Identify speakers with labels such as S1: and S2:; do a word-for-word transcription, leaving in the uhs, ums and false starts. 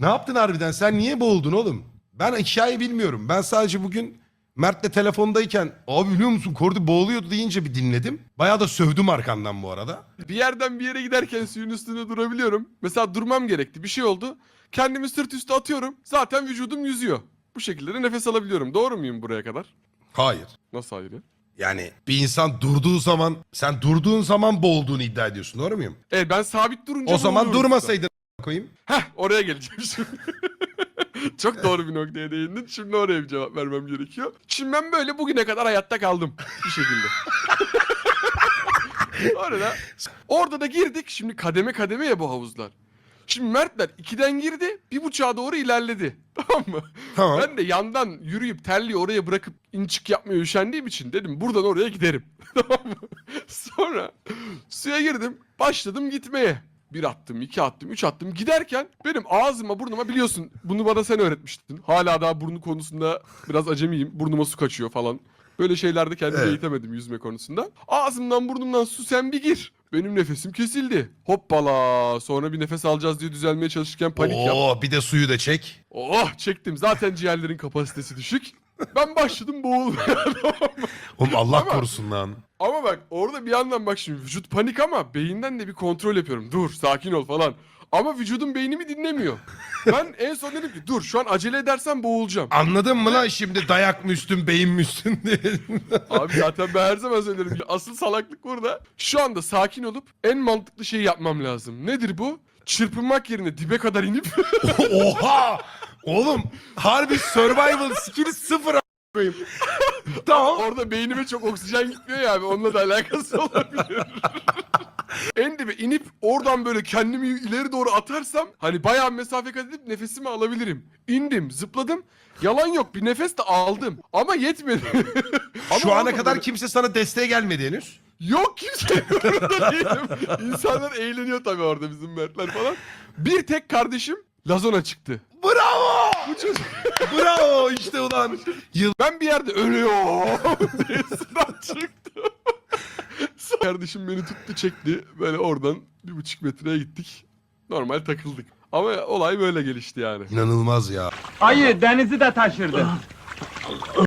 S1: Ne yaptın harbiden? Sen niye boğuldun oğlum? Ben hikayeyi bilmiyorum. Ben sadece bugün Mert'le telefondayken abi biliyor musun Kordi boğuluyordu deyince bir dinledim. Bayağı da sövdüm arkandan bu arada.
S2: Bir yerden bir yere giderken suyun üstünde durabiliyorum. Mesela durmam gerekti. Bir şey oldu. Kendimi sırt üstü atıyorum. Zaten vücudum yüzüyor. Bu şekilde de nefes alabiliyorum. Doğru muyum buraya kadar?
S1: Hayır.
S2: Nasıl hayır ya?
S1: Yani bir insan durduğu zaman sen durduğun zaman boğulduğunu iddia ediyorsun, doğru muyum?
S2: Evet, ben sabit durunca
S1: O zaman
S2: boğuluyorum
S1: durmasaydın koyayım.
S2: işte. Heh, oraya geleceğim şimdi. Çok doğru bir noktaya değindin. Şimdi oraya bir cevap vermem gerekiyor. Şimdi ben böyle bugüne kadar hayatta kaldım. Bir şekilde. Orada, orada da girdik. Şimdi kademe kademe ya bu havuzlar. Şimdi Mertler ikiden girdi, bir buçuğa doğru ilerledi. Tamam mı?
S1: Tamam.
S2: Ben de yandan yürüyüp terliği oraya bırakıp in çık yapmaya üşendiğim için dedim buradan oraya giderim. Tamam mı? Sonra suya girdim, başladım gitmeye. Bir attım, iki attım, üç attım. Giderken benim ağzıma, burnuma, biliyorsun bunu bana sen öğretmiştin. Hala daha burnu konusunda biraz acemiyim. Burnuma su kaçıyor falan. Böyle şeylerde kendimi
S1: Evet.
S2: eğitemedim yüzme konusunda. Ağzımdan burnumdan su sen bir gir. Benim nefesim kesildi. Hoppala. Sonra bir nefes alacağız diye düzelmeye çalışırken panik yap.
S1: Oo bir de suyu da çek.
S2: Oh, çektim. Zaten ciğerlerin kapasitesi düşük. Ben başladım boğulmaya.
S1: Oğlum Allah
S2: Ama-
S1: korusun lan.
S2: Ama bak orada bir yandan bak şimdi vücut panik ama beyinden de bir kontrol yapıyorum. Dur, sakin ol falan. Ama vücudum beynimi dinlemiyor. Ben en son dedim ki dur şu an acele edersem boğulacağım.
S1: Anladın mı lan şimdi dayak mı üstün beyin mi üstün diye.
S2: Abi zaten ben her zaman söylerim. Asıl salaklık burada. Şu anda sakin olup en mantıklı şeyi yapmam lazım. Nedir bu? Çırpınmak yerine dibe kadar inip
S1: Oha! Oğlum harbi survival skill'i sıfır a**ayım. Tamam.
S2: orada beynime çok oksijen gitmiyor ya abi. Onunla da alakası olabilir. En dibe inip oradan böyle kendimi ileri doğru atarsam hani bayağı mesafe kat edip nefesimi alabilirim. İndim, zıpladım. Yalan yok, bir nefes de aldım. Ama yetmedi. Ama
S1: Şu ana
S2: orada
S1: kadar
S2: böyle-
S1: kimse sana desteğe gelmedi henüz.
S2: Yok, kimse orada değilim. İnsanlar eğleniyor tabii orada, bizim Mertler falan. Bir tek kardeşim Lazona çıktı.
S1: Bravo!
S2: Bu çocuk.
S1: Bravo işte ulan. Yıl
S2: Ben bir yerde ölüyorum diye sınav çıktı. Sonra kardeşim beni tuttu, çekti. Böyle oradan bir buçuk metreye gittik. Normal takıldık. Ama olay böyle gelişti yani.
S1: İnanılmaz ya.
S3: Ayı denizi de taşırdı.